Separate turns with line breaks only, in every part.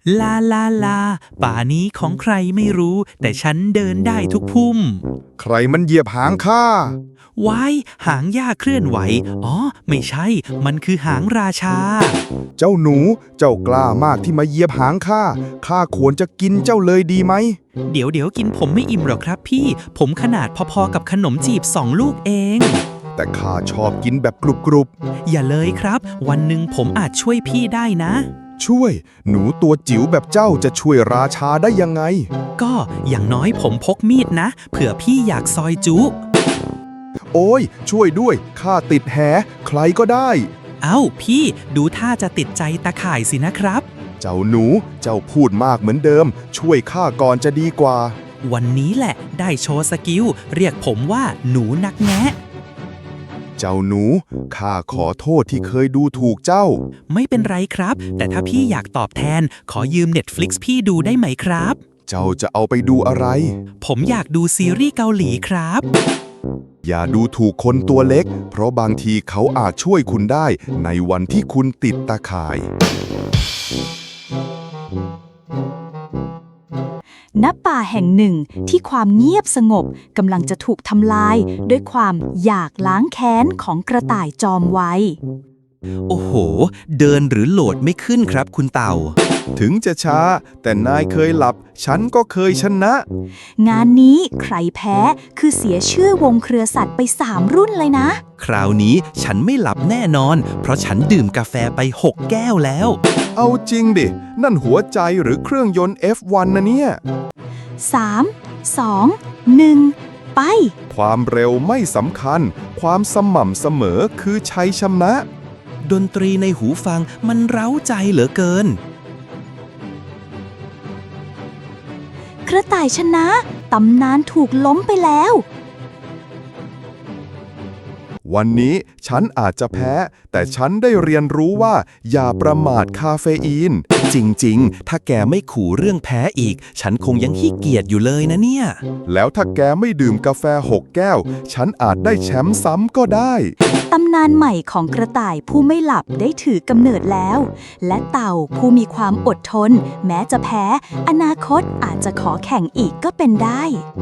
ลาลาลาป่านี้ของใครไม่รู้แต่ฉันเดินได้ทุกพุ่ม
ใครมันเหยียบหางข้า
ว้ายหางหญ้าเคลื่อนไหวอ๋อไม่ใช่มันคือหางราชา
เจ้าหนูเจ้ากล้ามากที่มาเหยียบหางข้าควรจะกินเจ้าเลยดีไหม
เดี๋ยวกินผมไม่อิ่มหรอกครับพี่ผมขนาดพอๆกับขนมจีบ2 ลูกเอง
แต่ข้าชอบกินแบบกรุบ
อย่าเลยครับวันหนึ่งผมอาจช่วยพี่ได้นะ
ช่วยหนูตัวจิ๋วแบบเจ้าจะช่วยราชาได้ยังไง
ก็อย่างน้อยผมพกมีดนะเผื่อพี่อยากซอยจุ
โอ้ยช่วยด้วยข้าติดแหใครก็ได้
เอ้าพี่ดูท่าจะติดใจตาข่ายสินะครับ
เจ้าหนูเจ้าพูดมากเหมือนเดิมช่วยข้าก่อนจะดีกว่า
วันนี้แหละได้โชว์สกิลเรียกผมว่าหนูนักแงะ
เจ้าหนูข้าขอโทษที่เคยดูถูกเจ้า
ไม่เป็นไรครับแต่ถ้าพี่อยากตอบแทนขอยืม Netflix พี่ดูได้ไหมครับ
เจ้าจะเอาไปดูอะไร
ผมอยากดูซีรีส์เกาหลีครับ
อย่าดูถูกคนตัวเล็กเพราะบางทีเขาอาจช่วยคุณได้ในวันที่คุณติดตาข่าย
ณ ป่าแห่งหนึ่งที่ความเงียบสงบกำลังจะถูกทำลายด้วยความอยากล้างแค้นของกระต่ายจอมไว
โอ้โหเดินหรือโหลดไม่ขึ้นครับคุณเต่า
ถึงจะช้าแต่นายเคยหลับฉันก็เคยชนะ
งานนี้ใครแพ้คือเสียชื่อวงเครือสัตว์ไป3 รุ่นเลยนะ
คราวนี้ฉันไม่หลับแน่นอนเพราะฉันดื่มกาแฟไป6 แก้วแล้ว
เอาจริงดินั่นหัวใจหรือเครื่องยนต์ F1 นะเนี่ย
3 2 1 ไป
ความเร็วไม่สำคัญความสม่ำเสมอคือชัยชนะ
ดนตรีในหูฟังมันเร้าใจเหลือเกิน
กระต่ายชนะตำนานถูกล้มไปแล้ว
วันนี้ฉันอาจจะแพ้แต่ฉันได้เรียนรู้ว่าอย่าประมาทคาเฟอีน
จริงๆถ้าแกไม่ขู่เรื่องแพ้อีกฉันคงยังขี้เกียจอยู่เลยนะเนี่ย
แล้วถ้าแกไม่ดื่มกาแฟ6 แก้วฉันอาจได้แชมป์ซ้ำก็ได้
ตำนานใหม่ของกระต่ายผู้ไม่หลับได้ถือกำเนิดแล้วและเต่าผู้มีความอดทนแม้จะแพ้อนาคตอาจจะขอแข่งอีกก็เป็นได้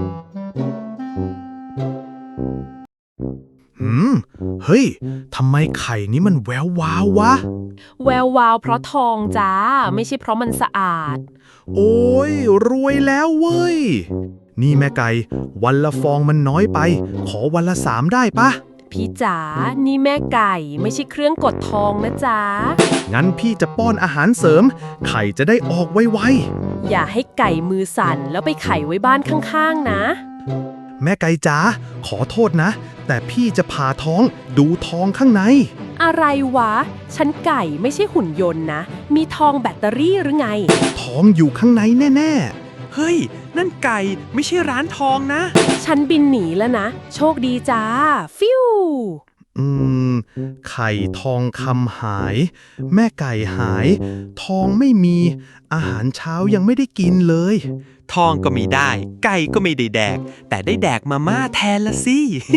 เฮ้ยทำไมไข่นี้มันแวววาววะ
แวววาวเพราะทองจ้าไม่ใช่เพราะมันสะอาด
โอ้ยรวยแล้วเว้ยนี่แม่ไก่วันละฟองมันน้อยไปขอวันละ3ได้ปะ
พี่จ๋านี่แม่ไก่ไม่ใช่เครื่องกดทองนะจ๊ะ
งั้นพี่จะป้อนอาหารเสริมไข่จะได้ออกไว
ๆอย่าให้ไก่มือสั่นแล้วไปไข่ไว้บ้านข้างๆนะ
แม่ไก่จ๋าขอโทษนะแต่พี่จะผ่าท้องดูทองข้างใน
อะไรวะฉันไก่ไม่ใช่หุ่นยนต์นะมีทองแบตเตอรี่หรือไง
ทองอยู่ข้างในแน่
เฮ้ยนั่นไก่ไม่ใช่ร้านทองนะ
ฉันบินหนีแล้วนะโชคดีจ้าฟิว
ไข่ทองคำหายแม่ไก่หายทองไม่มีอาหารเช้ายังไม่ได้กินเลย
ทองก็ไม่ได้ไก่ก็ไม่ได้แดกแต่ได้แดกมาม่าแทนละสิ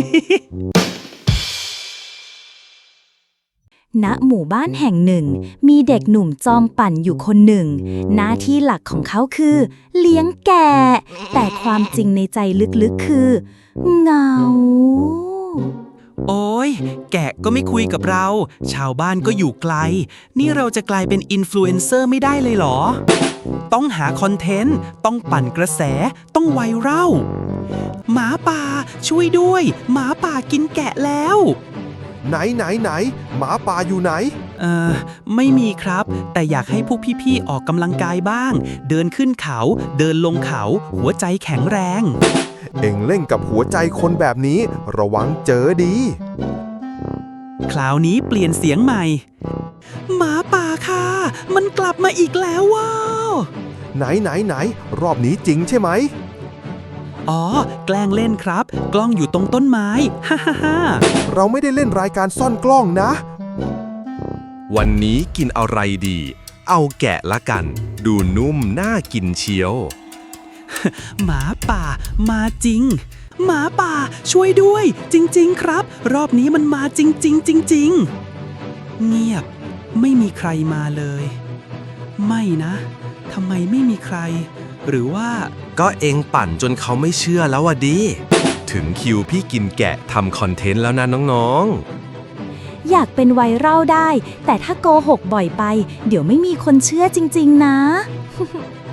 ณ หมู่บ้านแห่งหนึ่งมีเด็กหนุ่มจอมปั่นอยู่คนหนึ่งหน้าที่หลักของเขาคือเลี้ยงแกะแต่ความจริงในใจลึกๆคือเหงา
โอ้ยแกะก็ไม่คุยกับเราชาวบ้านก็อยู่ไกลนี่เราจะกลายเป็นอินฟลูเอนเซอร์ไม่ได้เลยเหรอต้องหาคอนเทนต์ต้องปั่นกระแสต้องไวรัลหมาป่าช่วยด้วยหมาป่ากินแกะแล้ว
ไหนหมาป่าอยู่ไหน
ไม่มีครับแต่อยากให้พวกพี่ๆออกกำลังกายบ้างเดินขึ้นเขาเดินลงเขาหัวใจแข็งแรง
เอ็งเล่นกับหัวใจคนแบบนี้ระวังเจอดี
คราวนี้เปลี่ยนเสียงใหม่หมาป่าค่ะมันกลับมาอีกแล้วว้าว
ไหนรอบนี้จริงใช่ไหม
อ๋อแกล้งเล่นครับกล้องอยู่ตรงต้นไม้ฮ่าฮ่า
เราไม่ได้เล่นรายการซ่อนกล้องนะ
วันนี้กินอะไรดีเอาแกะละกันดูนุ่มน่ากินเชียว
หมาป่ามาจริงหมาป่าช่วยด้วยจริงๆครับรอบนี้มันมาจริงเงียบไม่มีใครมาเลยไม่นะทำไมไม่มีใคร หรือว่า
ก็เองปั่นจนเขาไม่เชื่อแล้ววะดิ ถึงคิวพี่กินแกะทำคอนเทนต์แล้วนะน้องๆ
อยากเป็นไวรัลได้ แต่ถ้าโกหกบ่อยไป เดี๋ยวไม่มีคนเชื่อจริงๆนะ